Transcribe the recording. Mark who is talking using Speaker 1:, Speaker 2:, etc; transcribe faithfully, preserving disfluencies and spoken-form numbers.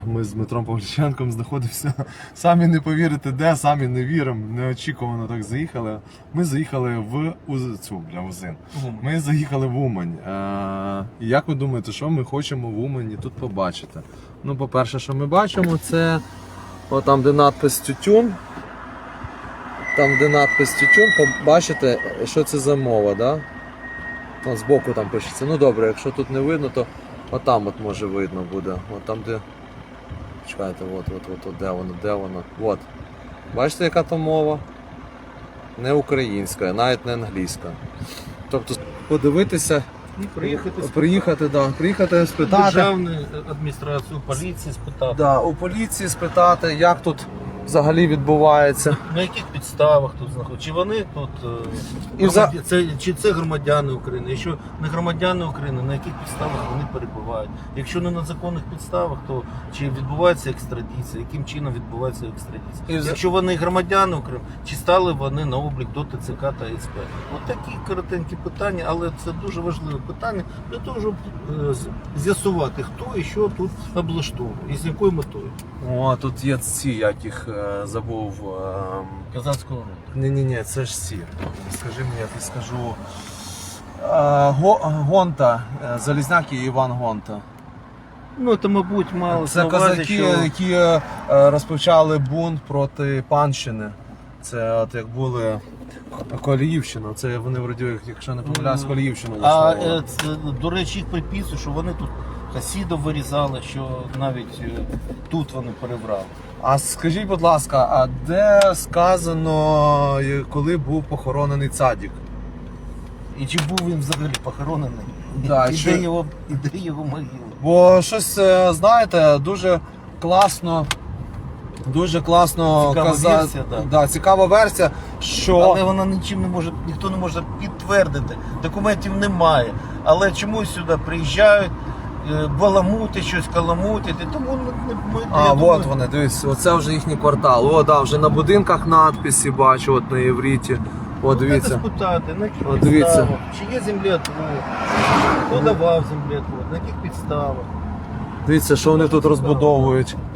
Speaker 1: Ми з Дмитром Павліченком знаходимося, самі не повірите де, самі не віримо, неочікувано так заїхали. Ми заїхали в Уз... цю, бля, Узин. Ми заїхали в Умань. Е... І як ви думаєте, що ми хочемо в Умані тут побачити? Ну, по-перше, що ми бачимо, це о, там, де надпис Тютюн. Там, де надпис Тютюн, бачите, що це за мова, да? Там збоку там пишеться. Ну добре, якщо тут не видно, то отам от може видно буде. От там, де... Чекайте, от, от, от, от, де воно, де воно. От. Бачите, яка то мова? Не українська, навіть не англійська. Тобто подивитися,
Speaker 2: І приїхати,
Speaker 1: приїхати, да, приїхати спитати.
Speaker 2: Державну адміністрацію, поліції спитати.
Speaker 1: Да, у поліції спитати, як тут взагалі відбувається.
Speaker 2: На яких підставах тут знаходяться? Чи вони тут
Speaker 1: І
Speaker 2: громадя...
Speaker 1: за-
Speaker 2: це, чи це громадяни України? Якщо не громадяни України, на яких підставах вони перебувають? Якщо не на законних підставах, то чи відбувається екстрадиція? Яким чином відбувається екстрадиція?
Speaker 1: І за-
Speaker 2: Якщо вони громадяни України, чи стали вони на облік до ТЦК та СП? Ось такі коротенькі питання, але це дуже важливе питання для того, щоб е, з- з'ясувати, хто і що тут облаштовує і з якою метою.
Speaker 1: О, тут є ці, як їх е, забув. Е...
Speaker 2: Казанського року.
Speaker 1: Ні-ні-ні, це ж ці. Скажи мені, я тобі скажу. Е, Го... Гонта, е, Залізняк і Іван Гонта.
Speaker 2: Ну, це, мабуть, мало
Speaker 1: Це
Speaker 2: на увазі,
Speaker 1: козаки,
Speaker 2: що...
Speaker 1: які е, розпочали бунт проти панщини. Це от як були Коліївщина. Це вони вроді, якщо не помиляюсь, Коліївщину
Speaker 2: А
Speaker 1: засновували.
Speaker 2: е, це, до речі, їх приписують, що вони тут хасідов вирізали, що навіть е, тут вони перебрали.
Speaker 1: А скажіть, будь ласка, а де сказано, е, коли був похоронений цадік?
Speaker 2: І чи був він взагалі похоронений?
Speaker 1: Да,
Speaker 2: і,
Speaker 1: що-
Speaker 2: де його, і де його могила?
Speaker 1: Бо щось, е, знаєте, дуже класно, дуже класно
Speaker 2: Цікава
Speaker 1: каза-
Speaker 2: версія, да.
Speaker 1: Да, цікава версія, що...
Speaker 2: Але вона нічим не може, ніхто не може підтвердити. Документів немає. Але чомусь сюди приїжджають, е, баламути, щось каламутять. І тому ми, ми,
Speaker 1: А,
Speaker 2: я
Speaker 1: от
Speaker 2: думаю,
Speaker 1: вони, дивись, оце вже їхній квартал. О, да, вже на будинках надписи бачу, от на євриті. О,
Speaker 2: треба
Speaker 1: дивіться.
Speaker 2: спитати, на яких
Speaker 1: О, дивіться.
Speaker 2: підставах, чи є землеотвод, хто давав землеотвод, на яких підставах.
Speaker 1: Дивіться, що вони тут розбудовують.